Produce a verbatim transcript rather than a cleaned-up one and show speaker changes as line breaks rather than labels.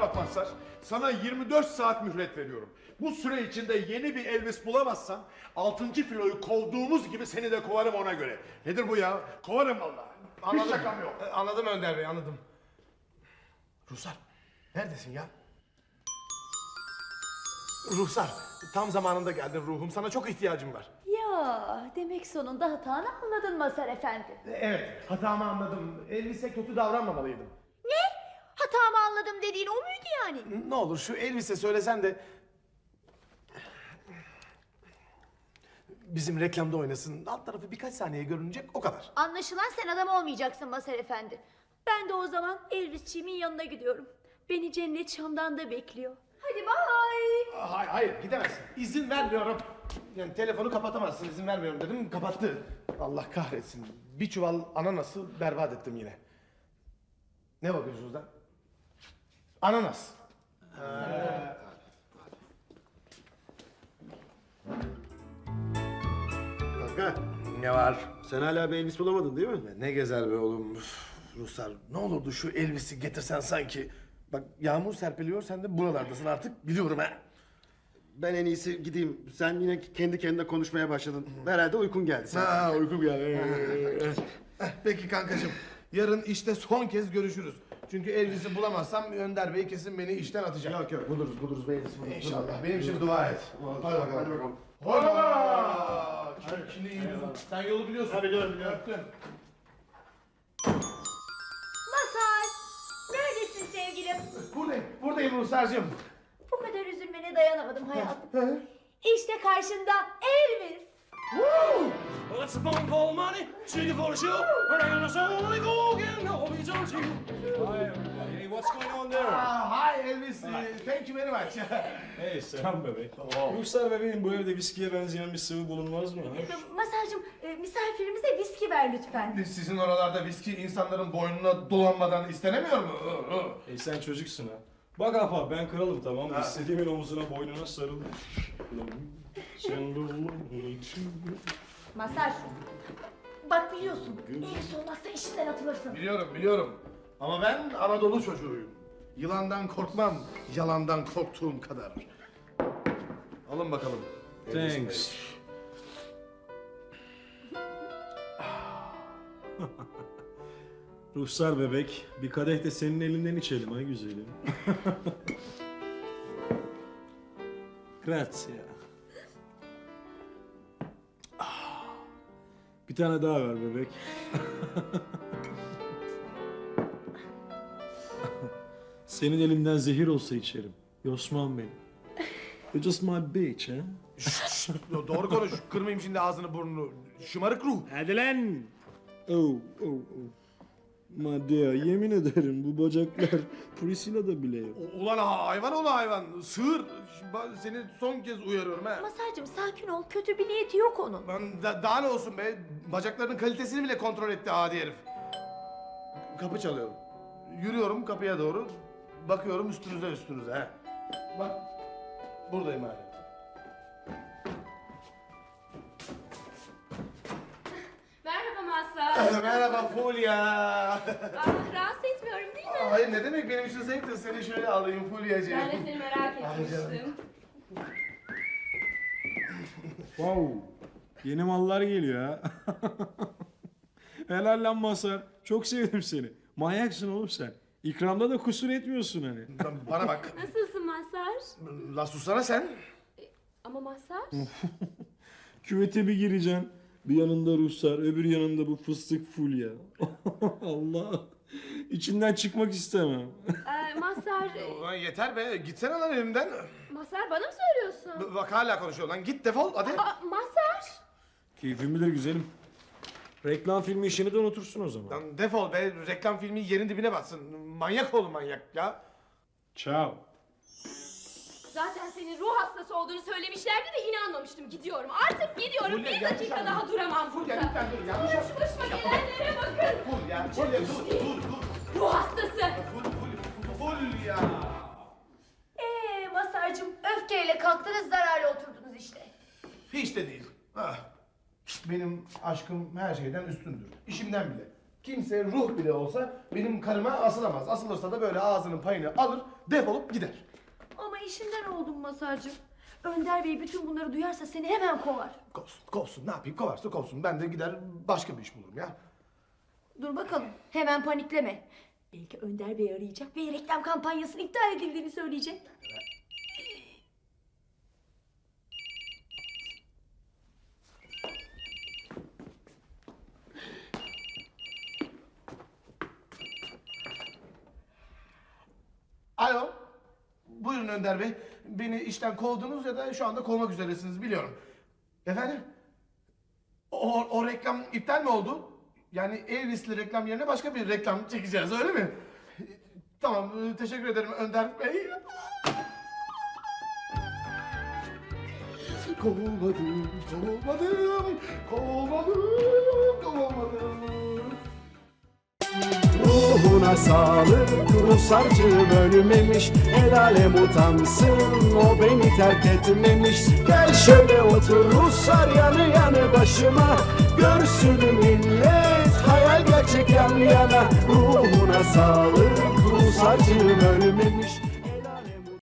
bak Mazhar. Sana yirmi dört saat mühlet veriyorum. Bu süre içinde yeni bir Elvis bulamazsan altıncı filoyu kovduğumuz gibi seni de kovarım ona göre. Nedir bu ya? Kovarım vallahi. Hiç şakam yok.
E, Anladım Önder Bey, anladım. Ruhsar, neredesin ya? Ruhsar, tam zamanında geldin ruhum. Sana çok ihtiyacım var.
Ya demek sonunda hatanı anladın Mazhar Efendi.
E, Evet, hatamı anladım. Elvis'e kötü davranmamalıydım.
Ne? Hatamı anladım dediğin o muydu yani?
Ne olur şu Elvis'e söylesen de... bizim reklamda oynasın. Alt tarafı birkaç saniye görünecek, o kadar.
Anlaşılan sen adam olmayacaksın Mazhar Efendi. Ben de o zaman Elvisçiğimin yanına gidiyorum. Beni cennet Şam'dan da bekliyor. Hadi bay.
Hayır, hayır gidemezsin. İzin vermiyorum. Yani telefonu kapatamazsın, izin vermiyorum dedim, kapattı. Allah kahretsin. Bir çuval ananası berbat ettim yine. Ne bakıyorsunuz lan? Ananas.
Kanka,
Ne var?
sen hala bir Elvis bulamadın değil mi?
Ne gezer be oğlum. Üf, Ruslar, ne olurdu şu Elvis'i getirsen sanki. Bak yağmur serpiliyor, sen de buralardasın artık, biliyorum ha.
Ben en iyisi gideyim. Sen yine kendi kendine konuşmaya başladın. Herhalde uykun geldi sen.
Ha, uykum geldi. Eh, Peki kankacığım, yarın işte son kez görüşürüz. Çünkü Elvis'i bulamazsam Önder Bey kesin beni işten atacak.
Yok yok, buluruz buluruz bir Elvis buluruz.
İnşallah, benim için dua et. Hadi bakalım.
Hadi bakalım.
Hola! Şimdi iyi yüzüm. Sen yolu biliyorsun.
Ha, biliyorum, biliyorum.
Öptüm.
Mazhar. Neredesin sevgilim?
Buradayım, buradayım Ruhsar'cığım.
Bu kadar üzülmene dayanamadım hayatım. İşte karşında Elvis.
Well, it's a phone call money, singing for the show. We're hanging us on the go again. No, we don't you.
Hi, everybody. Hey, what's going on there?
Ah, hi Elvis, thank you very much.
Hey, selam bebek. Ruhsar bebeğim, bu evde viskiye benzeyen bir sıvı bulunmaz mı? ha?
Mazhar'cığım e, misafirimize viski ver lütfen.
Sizin oralarda viski insanların boynuna dolanmadan istenemiyor mu?
Hey, sen çocuksun ha. Bak apa, ben kralım tamam mı? İstediğimin omuzuna, boynuna sarılır.
Mazhar. Bak biliyorsun Elvis olmazsa işinden atılırsın.
Biliyorum, biliyorum. Ama ben Anadolu çocuğuyum. Yılandan korkmam, yalandan korktuğum kadar. Alın bakalım. Elvis Bey.
Thanks. Ruhsar bebek, bir kadeh de senin elinden içelim ha güzelim. Grazie. Ah, bir tane daha ver bebek. Senin elinden zehir olsa içerim. Yosman benim. You're just my bitch, ha?
Doğru konuş, kırmayayım şimdi ağzını burnunu. Şımarık ruh.
Hadi lan! Oh, oh, oh. Madea, yemin ederim bu bacaklar Priscilla'da bile yok.
U- Ulan ha- hayvan ola hayvan, sığır. Ben seni son kez uyarıyorum ha.
Mazhar'cığım sakin ol. Kötü bir niyeti yok onun.
Ben da- daha ne olsun be, bacaklarının kalitesini bile kontrol etti adi herif. Kapı çalıyorum. Yürüyorum kapıya doğru. Bakıyorum üstünüze üstünüze ha. Bak, buradayım hala.
Merhaba Mazhar.
Merhaba Fulya.
Ah, rahatsız etmiyorum değil mi?
Hayır ne demek, benim için zevktir. Seni şöyle alayım Fulya'cığım.
Ben de seni merak etmiştim.
Wow, yeni mallar geliyor ha. Helal lan Mazhar, çok sevdim seni. Manyaksın oğlum sen. İkramda da kusur etmiyorsun hani.
Bana bak.
Nasılsın Mazhar?
La susana sen.
Ama Mazhar?
Küvete bir gireceksin. Bir yanında Ruhsar, öbür yanında bu fıstık Fulya. Allah, içinden çıkmak istemem.
Ee, Mazhar,
Ulan yeter be, gitsene lan elimden.
Mazhar bana mı söylüyorsun?
B- Bak hala konuşuyor lan, git defol hadi.
Aa, Mazhar!
Keyfim bilir güzelim. Reklam filmi işini de unutursun o zaman.
Lan defol be, reklam filmi yerin dibine batsın. Manyak oğlum manyak ya.
Ciao.
Zaten senin ruh hastası olduğunu söylemişlerdi de inanmamıştım. Gidiyorum. Artık gidiyorum.
Fulya,
bir
yanlış
dakika
anladın.
daha duramam
Fulya
burada.
lütfen dur, yanlış
Şu
yaptın.
başıma gelenlere bakın.
Ful ya, Fulya dur, dur, dur.
Ruh hastası.
Ful, ful, ful ya.
Ee Mazhar'cığım öfkeyle kalktınız zararla oturdunuz işte.
Hiç de değil. Ah. Benim aşkım her şeyden üstündür. İşimden bile. Kimse ruh bile olsa benim karıma asılamaz. Asılırsa da böyle ağzının payını alır, defolup gider.
Ama işinden oldum Masarcığım. Önder Bey bütün bunları duyarsa seni hemen kovar.
Kovsun, kovsun. Ne yapayım? Kovarsa kovsun. Ben de gider başka bir iş bulurum ya.
Dur bakalım, hemen panikleme. Belki Önder Bey arayacak ve reklam kampanyasının iptal edildiğini söyleyecek.
Alo. Buyurun Önder Bey. Beni işten kovdunuz ya da şu anda kovmak üzeresiniz biliyorum. Efendim? O, o reklam iptal mi oldu? Yani Elvis'li reklam yerine başka bir reklam çekeceğiz öyle mi? Tamam, teşekkür ederim Önder Bey. Kovulmadım, kovulmadım, kovulmadım, kovulmadım.
Ruhuna sağlık, Ruhsarcığım ölmemiş. El alem utansın, o beni terk etmemiş. Gel şöyle otur Ruhsar yanı yanı başıma. Görsün millet, hayal gerçek yan yana. Ruhuna sağlık, Ruhsarcığım ölmemiş.